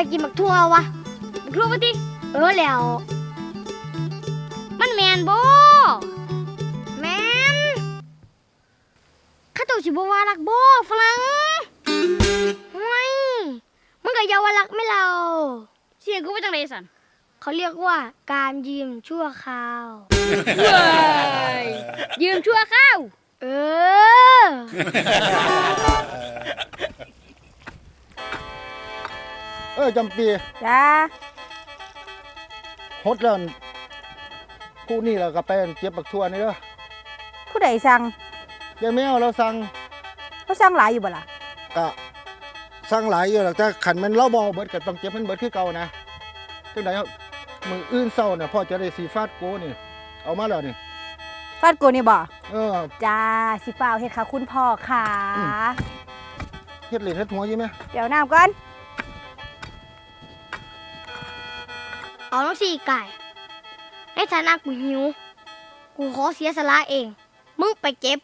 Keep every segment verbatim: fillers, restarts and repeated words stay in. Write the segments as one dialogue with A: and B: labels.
A: กินบักทั่ววะบักทั่วปะติเออแล้วมันแมนบ่แมนข้าตัวสิบ่ว่ารักบ่ฝรั่งห่วยมึงก็อย่าว่ารักไม่เราเสียงกูว่าจังไดสันเขาเรียกว่าการยืมชั่วคราวเว้ยยืมชั่วคราวเออ
B: เออจำปี
C: จ้า
B: ฮดแล้วผู้นี่เราก็ไปเก็บบักทั่วนี่เด้อ
C: ผู้ใดสั่ง
B: ยายแมวเราสั่ง
C: เขาสั่งหลายอยู่บ่ล่ะ
B: ก็สั่งหลายอยู่หรอกแต่ขันมันเล่าบอเบิดก็ต้องเก็บมันเบิดคือเก่านะจังได๋มืออื่นเศร้าเนี่ยพ่อจะได้สีฟาดโกนี่เอามาแล้วนี่
C: ฟาดโกนี่บ่
B: เออ
C: จ้าสิฟ้าวเฮ็ดค่ะคุณพ่อค่ะ
B: เฮ็ดเหรียญเฮ็ดหัวอยู่มั้ย
C: เดี๋ยวน้ำก่อน
A: เอาน้องสี่ไก่ในฐานะกูหิวกูขอเสียสละเองมึงไปเก็บ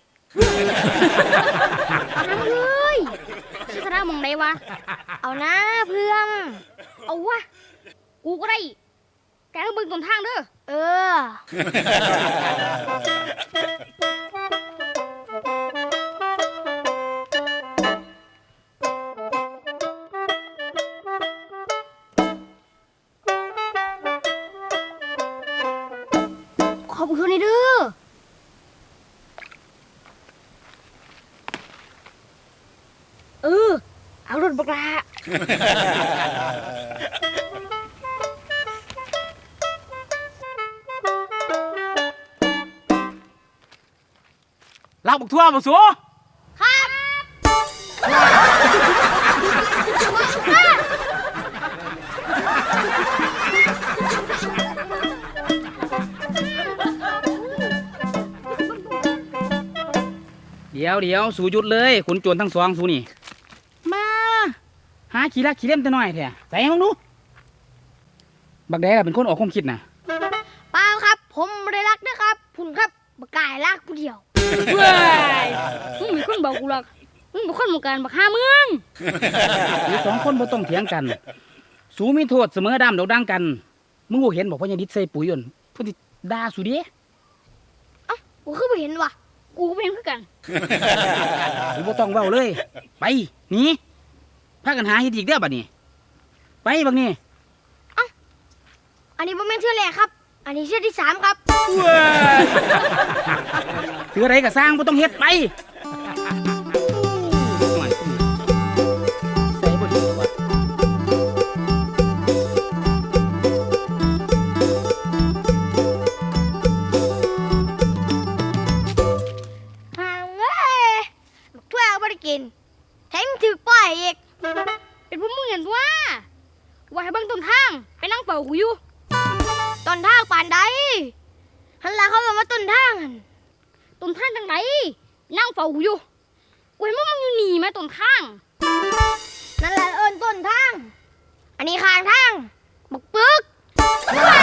A: นั่งเลยเสียสละมึงไหนวะเอานะเพื่อนเอาวะกูก็ได้แกก็มึงต้นทางเด้อเออขอบคุณนี่เด้อเออเอารถบักลา
D: ลากบักทั่วบักสัว
A: ครับ
D: เดี๋ยวเดี๋ยวสู่หยุดเลยขุนโจรทั้งสองสู่นี่มาหาขี้รักขี้เล่มแต่น้อยแท้ใส่มึงดูบักแดงเป็นคนออกความคิดนะ
A: เปล่าครับผมไม่ได้รักนะครับพุ่นครับบักกายรักผู้เดียว
D: เว้ย
A: มึงมีคนบอกกูหรอกมึงเป็นคนเหมือนกันบักห้าเมือง
D: อยู่สองคนบ่ต้องเถียงกันสู่มีโทษเสมอดำดอกดังกันมึงบ่เห็นบอกว่ายังดิดใส่ปุ๋ยอ่นพุ่นสิด่าสู่เด้
A: เอ้ากูคือไม่เห็นว่ะกูก็เป็นเหมือนกัน
D: กูบ่ต้องเว้าเลยไปหนีพากันหาเฮ็ดอีกเด้อบัดนี้ไปบักนี้
A: เอ้าอันนี้บ่แม่นเทื่อแรกครับอันนี้เทื่อที่สามครับ
D: ถืออะไรก็สร้างบ่ต้องเฮ็ดไปใส่บ่ดีวะ
A: กินแทงถือป้ายอีกเป็นพวกมึงเห็นว่าว่าให้เบิ่งต้นทางไปนั่งเป่ากูอยู่ต้นทางป่านใดหันหลังเขาบอกว่าต้นทางต้นทางจังไหนนั่งเป่ากูอยู่กูเห็นว่ามึงอยู่หนีมาต้นทางนั่นแหละเอิญต้นทางอันนี้ข้างทางบักปึก